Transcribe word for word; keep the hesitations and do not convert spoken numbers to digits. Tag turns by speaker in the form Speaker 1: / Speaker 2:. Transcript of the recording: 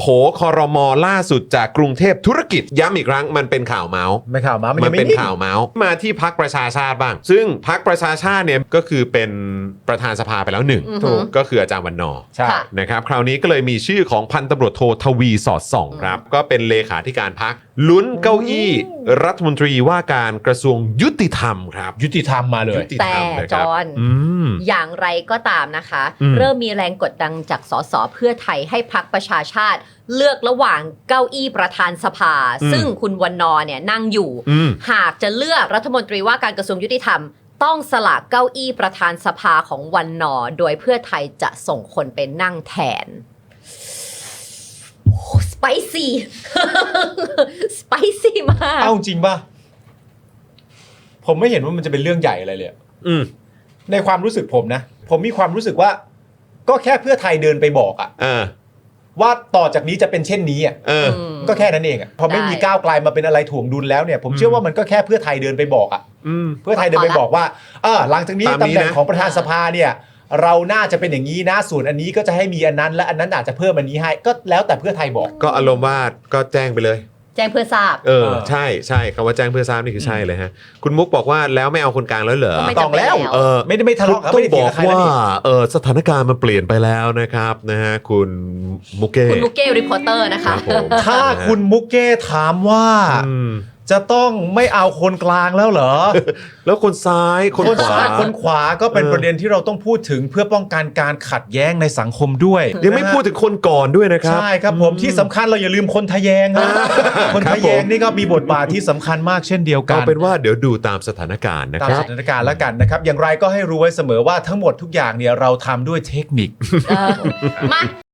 Speaker 1: ครม.ล่าสุดจากกรุงเทพธุรกิจย้ำอีกครั้งมันเป็นข่าวเมาส์
Speaker 2: ไม่ข่าวมามัน
Speaker 1: มั
Speaker 2: ยั
Speaker 1: น
Speaker 2: งไม่
Speaker 1: เป็น
Speaker 2: นิ่ง
Speaker 1: ข่าวเมาส์มาที่พรรคประชาชาติบ้าง ซึ่งพรรคประชาชาติเนี่ยก็คือเป็นประธานสภาไปแล้วหนึ่ง
Speaker 3: อือฮึ
Speaker 1: ถูกก็คืออาจารย์วันนอร์
Speaker 2: ใช่
Speaker 3: ค่ะ
Speaker 1: นะครับคราวนี้ก็เลยมีชื่อของพันตำรวจโททวีสอดส่องครับก็เป็นเลขาธิการพรรคลุ้นเก้าอี้รัฐมนตรีว่าการกระทรวงยุติธรรมครับ
Speaker 2: ยุติธรรมมาเลย
Speaker 1: ยุติธรรมนะค
Speaker 3: แต่
Speaker 1: รับ
Speaker 3: จอห์น
Speaker 1: อืม
Speaker 3: อย่างไรก็ตามนะคะ
Speaker 1: อืม
Speaker 3: เริ่มมีแรงกดดันจากสสเพื่อไทยให้พรรคประชาชาติ เลือกระหว่างเก้าอี้ประธานสภา ซึ่งคุณวันนอร์เนี่ยนั่งอยู่
Speaker 1: อืม
Speaker 3: หากจะเลือกรัฐมนตรีว่าการกระทรวงยุติธรรม ต้องสละเก้าอี้ประธานสภาของวันนอร์โดยเพื่อไทยจะส่งคนไปนั่งแทนสไปซี่ สไปซี่มาก
Speaker 2: เอาจริงป่ะผมไม่เห็นว่ามันจะเป็นเรื่องใหญ่อะไรเลย
Speaker 1: อืม
Speaker 2: ในความรู้สึกผมนะ ผมมีความรู้สึกว่า ก็แค่เพื่อไทยเดินไปบอกอะ
Speaker 1: เออ
Speaker 2: ว่าต่อจากนี้จะเป็นเช่นนี้อะ
Speaker 1: เออ
Speaker 3: ม
Speaker 2: ก็แค่นั้นเองอะพอไม่มี
Speaker 3: ได้
Speaker 2: ก้าวไกลมาเป็นอะไรถ่วงดุลแล้วเนี่ย ผมเชื่อว่ามันก็แค่เพื่อไทยเดินไปบอกอะ
Speaker 1: อืม
Speaker 2: เพื่อไทยเดินไปบอกว่าเออหลังจากนี้
Speaker 1: ตาม
Speaker 2: ตำ
Speaker 1: นี้
Speaker 2: แหน่ง
Speaker 1: นะ
Speaker 2: ของประธานสภาเนี่ย เราน่าจะเป็นอย่างนี้นะส่วนอันนี้ก็จะให้มีอันนั้นและอันนั้นอาจจะเพิ่มอันนี้ให้ก็แล้วแต่เพื่อไทยบอก
Speaker 1: ก็อารมณ์ว่าก็แจ้งไปเลย
Speaker 3: แจ้งเพื่อทราบ
Speaker 1: เออ
Speaker 2: เออ
Speaker 1: ใช่ใช่คำว่าแจ้งเพื่อทราบนี่คือใช่เลยฮะ คุณมุกบอกว่าแล้วไม่เอาคนกลางแล้วเหรอ
Speaker 3: ก็ไม่
Speaker 2: ต้องแล้ว
Speaker 3: จำเป็นแล้ว
Speaker 1: เออ
Speaker 2: ไม่ได้ไม่ทะเลาะกัน
Speaker 1: ต้อ
Speaker 2: ไม่
Speaker 1: ง
Speaker 2: ได้
Speaker 1: บ
Speaker 2: เถีย
Speaker 1: อง ก
Speaker 2: กับใคร
Speaker 1: ว่า
Speaker 2: นะนี่
Speaker 1: เออสถานการณ์มันเปลี่ยนไปแล้วนะครับนะฮะคุณมุกเก้
Speaker 3: คุณมุกเก้รีพอร์เตอร์นะ
Speaker 1: ครั
Speaker 3: คะ
Speaker 1: บผม
Speaker 2: ถ้าคุณมุกเก้ถามว่า
Speaker 1: อืม
Speaker 2: จะต้องไม่เอาคนกลางแล้วเหรอ
Speaker 1: แล้วคนซ้ายคน
Speaker 2: คน
Speaker 1: ขวา
Speaker 2: ซ้ายคนขวาก็เป็น
Speaker 1: เออ
Speaker 2: ประเด็นที่เราต้องพูดถึงเพื่อป้องกันการขัดแย้งในสังคมด้วย
Speaker 1: ยังไม่พูดถึงคนก่อนด้วยนะครับ
Speaker 2: ใช่ครับผมที่สำคัญเราอย่าลืมคนทะแยงนะคนทะแยงนี่ก็มีบทบาทที่สำคัญมากเช่นเดียวกั
Speaker 1: เอา
Speaker 2: น
Speaker 1: เป็นว่าเดี๋ยวดูตามสถานการณ์นะ
Speaker 2: ตาม
Speaker 1: ครั
Speaker 2: ส
Speaker 1: บ
Speaker 2: ถานการณ์แล้วกันนะครับ อย่างไรก็ให้รู้ไว้เสมอว่าทั้งหมดทุกอย่างเนี่ยเราทำด้วยเทคนิค
Speaker 3: เออมา